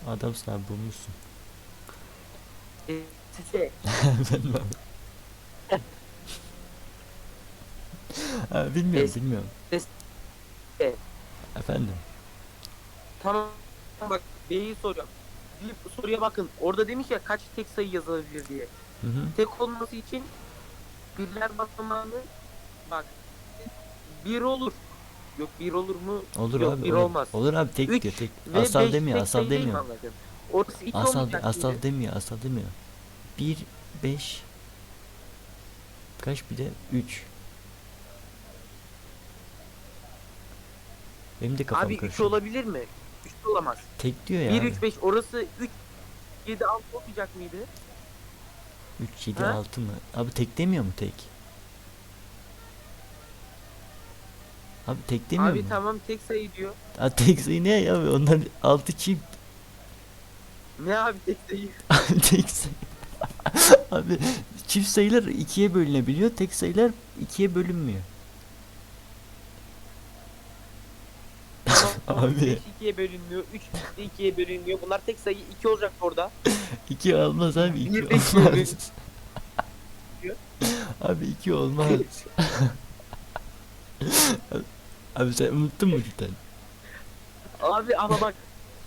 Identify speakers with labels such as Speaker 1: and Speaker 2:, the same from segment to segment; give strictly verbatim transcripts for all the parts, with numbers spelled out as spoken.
Speaker 1: Adamsın abi, bulmuşsun.
Speaker 2: E, size.
Speaker 1: Efendim abi. Ha, bilmiyorum
Speaker 2: E,
Speaker 1: bilmiyorum.
Speaker 2: size.
Speaker 1: Efendim.
Speaker 2: Tamam bak B'yi soruyorum. Bir soruya bakın. Orada demiş ya kaç tek sayı yazılabilir diye.
Speaker 1: Hı hı.
Speaker 2: Tek olması için birler basamağını bak bir olur. Yok bir olur mu?
Speaker 1: Olur
Speaker 2: Yok
Speaker 1: abi,
Speaker 2: bir
Speaker 1: olur.
Speaker 2: olmaz.
Speaker 1: Olur abi, tek
Speaker 2: Üç
Speaker 1: diyor, tek.
Speaker 2: ve
Speaker 1: Asal
Speaker 2: beş
Speaker 1: demiyor,
Speaker 2: tek
Speaker 1: asal
Speaker 2: sayı değil mi
Speaker 1: demiyor.
Speaker 2: anladın? Orası iki
Speaker 1: Asal
Speaker 2: olmayacak
Speaker 1: asal
Speaker 2: mıydı?
Speaker 1: demiyor, asal demiyor. Bir, beş, kaç bir de üç. Benim de kafam
Speaker 2: Abi üç
Speaker 1: karışıyor.
Speaker 2: olabilir mi? üç olamaz.
Speaker 1: Tek diyor ya
Speaker 2: bir
Speaker 1: abi.
Speaker 2: üç beş orası üç yedi altı olmayacak mıydı?
Speaker 1: Üç, yedi,
Speaker 2: Ha?
Speaker 1: altı mı? Abi tek demiyor mu tek? Abi tek demiyor
Speaker 2: Abi
Speaker 1: mu?
Speaker 2: tamam tek sayı diyor.
Speaker 1: Abi tek sayı ne ya abi? Onlar altı çift.
Speaker 2: Ne abi tek sayı?
Speaker 1: Abi tek sayı. Abi çift sayılar ikiye bölünebiliyor. Tek sayılar ikiye bölünmüyor.
Speaker 2: Tamam
Speaker 1: Abi
Speaker 2: beş ikiye bölünmüyor. üç de ikiye bölünmüyor. Bunlar tek sayı iki olacak orada.
Speaker 1: iki olmaz abi, iki
Speaker 2: bir de ikiye bölünüyor.
Speaker 1: olmaz. Abi iki olmaz. Abi sen unuttun mu cidden?
Speaker 2: Abi ama bak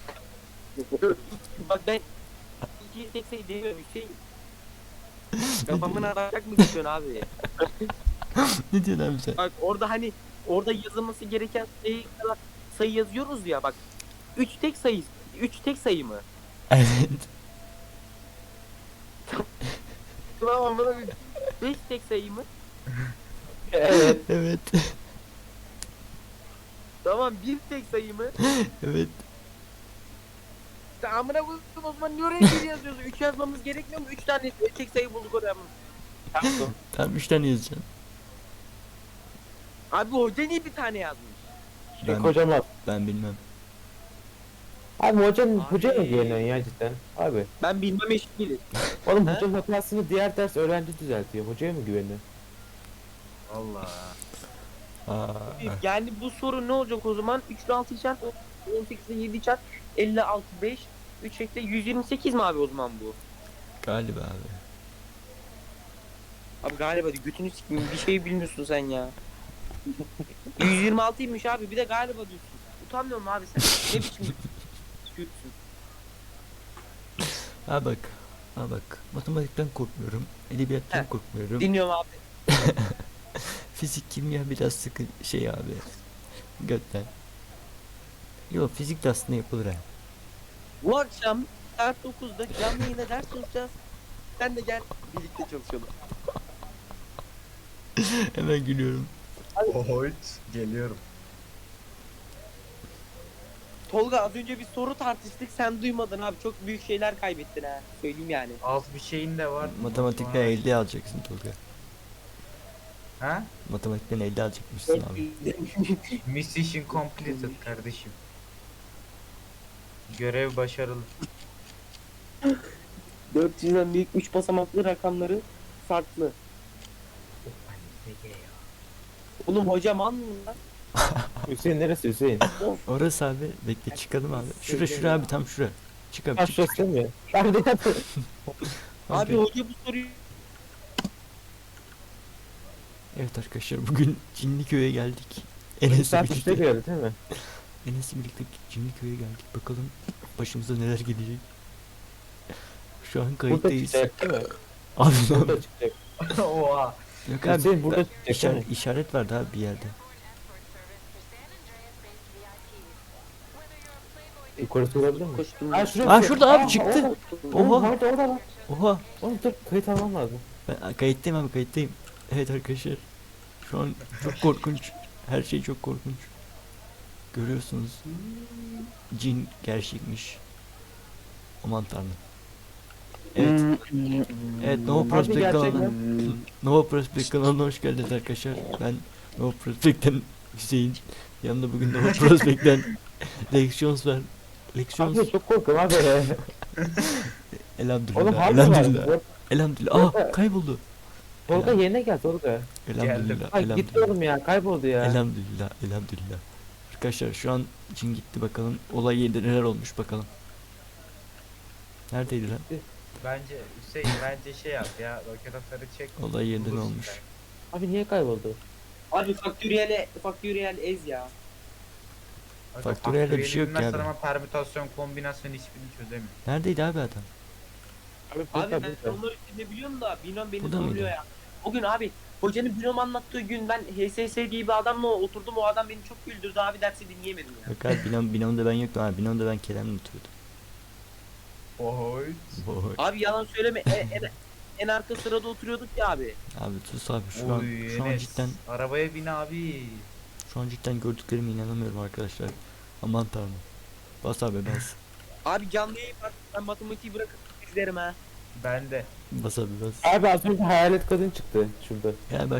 Speaker 2: bak ben iki tek sayı demiyorum Hüseyin. Kafamın arayacak mı geçiyorsun abi?
Speaker 1: Ne diyorsun abi sen?
Speaker 2: Bak orada hani orada yazılması gereken sayı kadar sayı yazıyoruz ya bak. üç tek sayı. üç tek sayı mı?
Speaker 1: Evet.
Speaker 2: Tamam bana bir beş tek sayı mı?
Speaker 3: Evet.
Speaker 1: Evet.
Speaker 2: Tamam bir tek sayı mı?
Speaker 1: Evet.
Speaker 2: Sen amına koydum o zaman niye oraya bir yazıyorsun? üç yazmamız gerekmiyor mu? üç tane tek sayı bulduk oraya mı?
Speaker 3: Tamam.
Speaker 1: Tam üç tane yazacaksın.
Speaker 2: Abi hoca niye bir tane yazmış?
Speaker 3: Şey
Speaker 1: Ben,
Speaker 3: kocaman.
Speaker 1: ben bilmem.
Speaker 3: Abi hocanın
Speaker 2: Abi.
Speaker 3: hoca mı güveniyorsun ya cidden? Abi.
Speaker 2: Ben bilmem eşit değilim.
Speaker 3: Oğlum
Speaker 2: He?
Speaker 3: hocanın hatasını diğer ders öğrenci düzeltiyor. Hocaya mı güveniyorsun?
Speaker 2: Allah.
Speaker 1: Aa,
Speaker 2: Yani bu soru ne olacak o zaman? üç ile altı çarp, on sekiz ile yedi çarp, elli altı, beş, üç ekle yüz yirmi sekiz mi abi o zaman bu?
Speaker 1: galiba abi.
Speaker 2: Abi galiba diyor, götünü sikeyim bir şey bilmiyorsun sen ya. yüz yirmi altıymış abi bir de galiba diyorsun. Utanmıyor musun abi sen? Ne biçim diyorsun?
Speaker 1: Ha bak. Ha bak. Matematikten korkmuyorum. Edebiyattan
Speaker 2: Heh.
Speaker 1: korkmuyorum.
Speaker 2: Dinliyorum abi.
Speaker 1: Fizik, kimya biraz sıkı şey abi. Götten. Yok, fizik de aslında yapılır ha.
Speaker 2: Bu akşam saat dokuzda canlı yayında ders çalışacağız. Sen de gel birlikte çalışalım.
Speaker 1: Hemen gülüyorum.
Speaker 4: Ohoyt geliyorum.
Speaker 2: Tolga az önce bir soru tartıştık sen duymadın abi çok büyük şeyler kaybettin ha. Söyleyeyim yani.
Speaker 4: Az bir şeyin de var.
Speaker 1: Matematikten
Speaker 4: Sonra-
Speaker 1: elli alacaksın Tolga.
Speaker 4: Ha?
Speaker 1: Matematikten elli alacakmışsın abi.
Speaker 4: Mission completed kardeşim. Görev başarılı.
Speaker 2: dört yüzden büyük üç basamaklı rakamları farklı. Oğlum hocam an mı lan?
Speaker 3: Hüseyin neresi Hüseyin?
Speaker 1: Orası abi, bekle çıkalım abi. Şura şura abi, tam şura. Çık abi,
Speaker 3: Ha
Speaker 1: çık.
Speaker 3: şurası değil mi? Ben de yapıyorum.
Speaker 2: Abi hoca bu soruyu
Speaker 1: Evet arkadaşlar, bugün Cinliköy'e geldik.
Speaker 3: Enes'le
Speaker 1: Enes'le birlikte.
Speaker 3: geldi değil mi?
Speaker 1: Enes'le birlikte Cinliköy'e geldik. Bakalım başımıza neler gelecek. Şu an
Speaker 3: Burada
Speaker 1: kayıttayız.
Speaker 3: çıkacak değil mi?
Speaker 1: Abi ne
Speaker 3: Burada
Speaker 1: yapayım?
Speaker 3: çıkacak.
Speaker 4: Oha.
Speaker 1: Yok abi,
Speaker 3: Hüseyin burada
Speaker 1: ben-
Speaker 3: çıkacak değil
Speaker 1: işaret,
Speaker 3: mi?
Speaker 1: işaret vardı abi bir yerde.
Speaker 3: Yukarısı olabilir mi?
Speaker 2: koştum.
Speaker 3: Ha şurada.
Speaker 1: Aa, şurada abi, çıktı.
Speaker 3: Oha.
Speaker 1: Oha.
Speaker 3: Orada orada bak.
Speaker 1: Oha.
Speaker 3: Oğlum dur kayıt almam lazım.
Speaker 1: Ben kayıttayım abi, kayıttayım. Evet arkadaşlar. Şu an çok korkunç. Her şey çok korkunç. Görüyorsunuz. Cin gerçekmiş. Aman tanrım. Evet. Evet, Nova
Speaker 3: Abi
Speaker 1: Prospect
Speaker 3: gerçek
Speaker 1: kanalına,
Speaker 3: mi?
Speaker 1: Nova Prospect kanalına hoş geldiniz arkadaşlar. Ben Nova Prospect'ten Hüseyin. Yanımda bugün Nova Prospect'ten Lections var. Lections.
Speaker 3: Abi çok korkuyorum abi.
Speaker 1: Elhamdülillah.
Speaker 3: Oğlum harbi var.
Speaker 1: Elhamdülillah.
Speaker 3: Bak,
Speaker 1: Elhamdülillah. Aa, kayboldu.
Speaker 3: Tolga yerine gel Tolga.
Speaker 1: Elhamdülillah.
Speaker 3: Ay gitti
Speaker 1: Elhamdülillah.
Speaker 3: oğlum ya kayboldu ya.
Speaker 1: Elhamdülillah. Elhamdülillah. Arkadaşlar şu an cin gitti, bakalım olay yerinde neler olmuş bakalım. Neredeydi lan?
Speaker 4: Bence Hüseyin bence şey yap ya. Roket atarı çek.
Speaker 1: Olay yerinde ne
Speaker 4: bulursun
Speaker 1: olmuş?
Speaker 4: sen.
Speaker 3: Abi niye kayboldu?
Speaker 2: Abi faktöriyel faktöriyel ez ya.
Speaker 4: Aga,
Speaker 1: Faktöriyelde bir şey yok
Speaker 4: bilmezsen
Speaker 1: ya.
Speaker 4: ama permütasyon kombinasyon hiçbirini çözemiyor.
Speaker 1: Neredeydi abi adam?
Speaker 3: Abi
Speaker 2: Abi
Speaker 3: Koyta
Speaker 2: ben
Speaker 3: burada.
Speaker 2: onları ne biliyorum da binom beni
Speaker 1: Bu da mıydı?
Speaker 2: zorluyor ya. O gün abi hocanın binom anlattığı gün ben H S S diye bir adamla oturdum, o adam beni çok güldürdü abi, dersi dinleyemedim ya.
Speaker 1: Yok abi binom, binomda ben yoktum abi. Binomda ben Kerem'le oturuyordum.
Speaker 4: Oy.
Speaker 1: Oy.
Speaker 2: Abi yalan söyleme, en, en, en arka sırada oturuyorduk ya abi.
Speaker 1: Abi sus abi şu an
Speaker 4: Oy,
Speaker 1: şu an
Speaker 4: Enes.
Speaker 1: cidden
Speaker 4: Arabaya bin abi.
Speaker 1: şu an cidden gördüklerime inanamıyorum arkadaşlar. Aman tanrım. Bas abi bas.
Speaker 2: Abi canlı yayın var, ben matematiği bırakıp izlerim ha.
Speaker 4: Ben de.
Speaker 1: Bas abi bas.
Speaker 3: Abi az önce hayalet kadın çıktı şurada.
Speaker 1: Ya ben